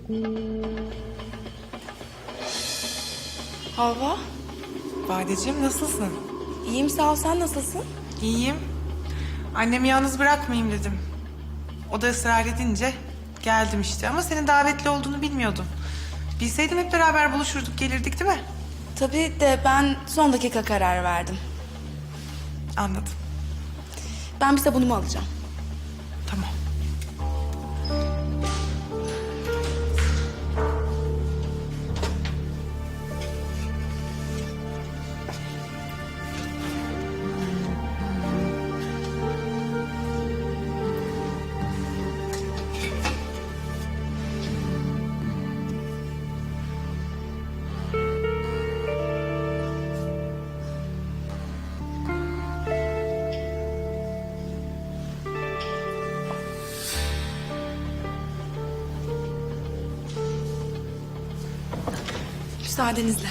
Havva, Badeciğim nasılsın? iyiyim sağ ol. Sen nasılsın? İyiyim. Annemi yalnız bırakmayayım dedim. O da ısrar edince geldim işte. Ama senin davetli olduğunu bilmiyordum. Bilseydim hep beraber buluşurduk, gelirdik değil mi? Tabii de ben son dakika karar verdim. Anladım. Ben bir sabunumu alacağım. Tamam. Müsaadenizle.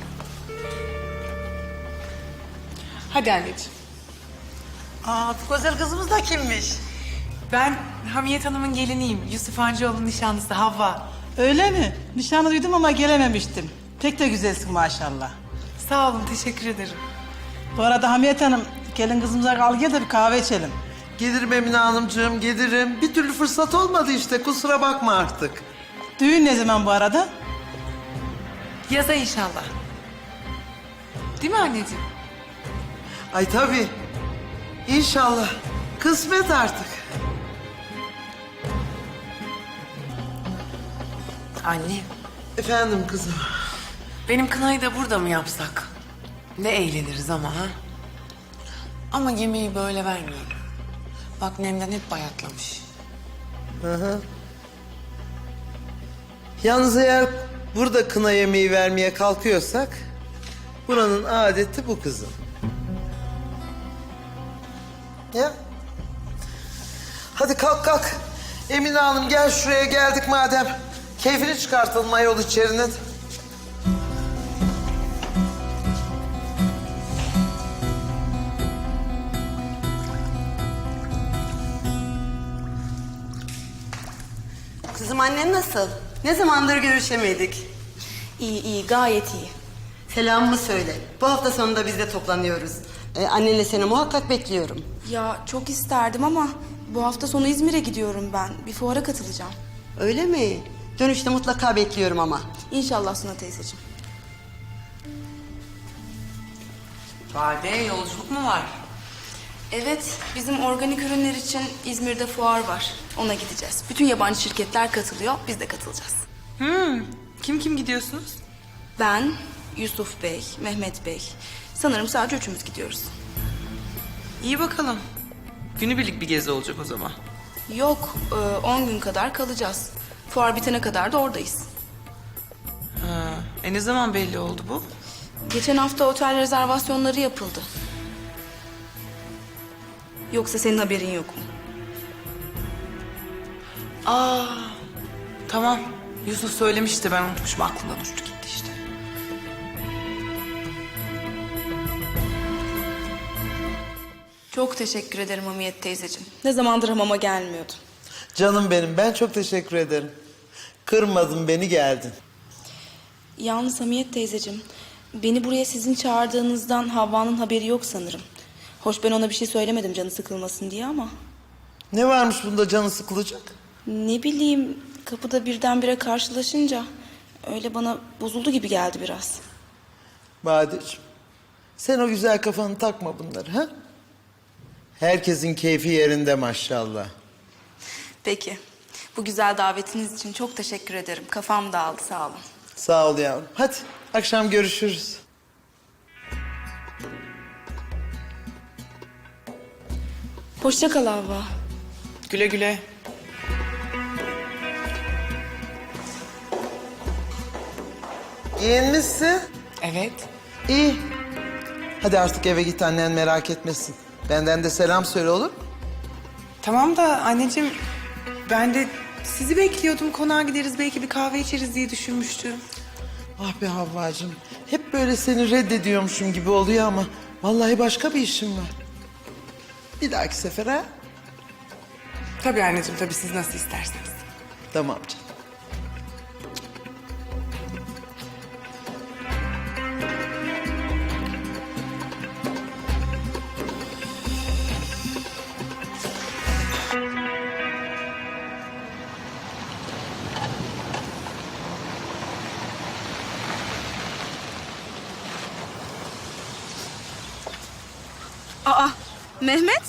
Hadi anneciğim. Aa, bu güzel kızımız da kimmiş? Ben Hamiyet Hanım'ın geliniyim. Yusuf Hancıoğlu'nun nişanlısı Havva. Öyle mi? Nişanı duydum ama gelememiştim. Pek de güzelsin maşallah. Sağ olun, teşekkür ederim. Bu arada Hamiyet Hanım, gelin kızımıza kal gel de bir kahve içelim. Gelirim Emine Hanımcığım, gelirim. Bir türlü fırsat olmadı işte, kusura bakma artık. Düğün ne zaman bu arada? Yaza inşallah. Değil mi anneciğim? Ay tabii. İnşallah. Kısmet artık. Anne, Efendim kızım. benim kınayı da burada mı yapsak? Ne eğleniriz ama ha? Ama yemeği böyle vermeyelim. Bak Nemden hep bayatlamış. Yalnız eğer burada kına yemeği vermeye kalkıyorsak... ...buranın adeti bu kızım. Ya. Hadi kalk kalk. Emine Hanım gel şuraya geldik madem. Keyfini çıkartalım ayol içerinin. Kızım annen nasıl? Ne zamandır görüşemedik. İyi iyi gayet iyi. Selamımı söyle. Bu hafta sonunda biz de toplanıyoruz. Annenle seni muhakkak bekliyorum. Ya çok isterdim ama bu hafta sonu İzmir'e gidiyorum ben. Bir fuara katılacağım. Öyle mi? Dönüşte mutlaka bekliyorum ama. İnşallah Suna teyzeciğim. Bade yolculuk mu var? Evet, bizim organik ürünler için İzmir'de fuar var. Ona gideceğiz. Bütün yabancı şirketler katılıyor, biz de katılacağız. Kim gidiyorsunuz? Ben, Yusuf Bey, Mehmet Bey. Sanırım sadece üçümüz gidiyoruz. İyi bakalım. Günübirlik bir gezi olacak o zaman. Yok, 10 gün kadar kalacağız. Fuar bitene kadar da oradayız. Ne zaman belli oldu bu? Geçen hafta otel rezervasyonları yapıldı. Yoksa senin haberin yok mu? Tamam. Yusuf söylemişti, ben unutmuşum, aklımdan uçtu gitti işte. Çok teşekkür ederim Hamiyet teyzeciğim. Ne zamandır hamama gelmiyordum. Canım benim, ben çok teşekkür ederim. Kırmadın beni, geldin. Yalnız Hamiyet teyzeciğim, beni buraya sizin çağırdığınızdan Havva'nın haberi yok sanırım. Hoş ben ona bir şey söylemedim canı sıkılmasın diye ama... Ne varmış bunda canı sıkılacak? Ne bileyim, kapıda birdenbire karşılaşınca... öyle bana bozuldu gibi geldi biraz. Badeciğim, sen o güzel kafanı takma bunları ha? Herkesin keyfi yerinde maşallah. Peki, bu güzel davetiniz için çok teşekkür ederim. Kafam dağıldı, sağ olun. Sağ ol yavrum. Hadi akşam görüşürüz. Hoşça kal Havva. Güle güle. Giyinmişsin. Evet. İyi. Hadi artık eve git, annen merak etmesin. Benden de selam söyle, olur mu? Tamam da anneciğim, ben de sizi bekliyordum. Konağa gideriz, belki bir kahve içeriz diye düşünmüştüm. Ah be Havvacığım. Hep böyle seni reddediyormuşum gibi oluyor ama... ...vallahi başka bir işim var. Bir dahaki sefer ha? Tabii anneciğim, tabii siz nasıl isterseniz. Tamam canım. Aa, Mehmet?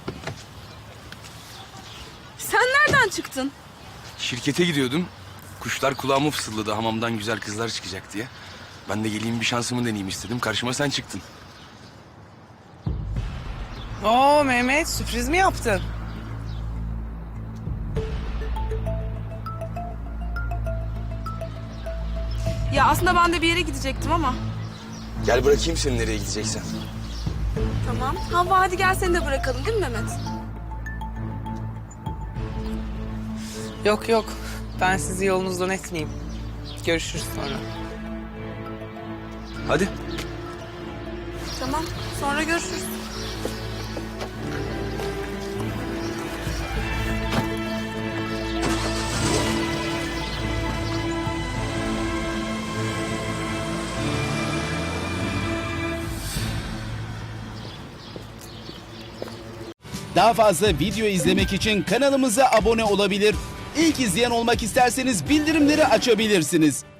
Sen nereden çıktın? Şirkete gidiyordum. Kuşlar kulağıma fısıldadı hamamdan güzel kızlar çıkacak diye. Ben de geleyim bir şansımı deneyeyim istedim. Karşıma sen çıktın. Oo Mehmet, sürpriz mi yaptın? Ya aslında ben de bir yere gidecektim ama. Gel bırakayım seni nereye gideceksen. Tamam. Havva hadi gel seni de bırakalım değil mi Mehmet? Yok yok, ben sizi yolunuzdan etmeyeyim. Görüşürüz sonra. Hadi. Tamam. Sonra görüşürüz. Daha fazla video izlemek için kanalımıza abone olabilir. İlk izleyen olmak isterseniz bildirimleri açabilirsiniz.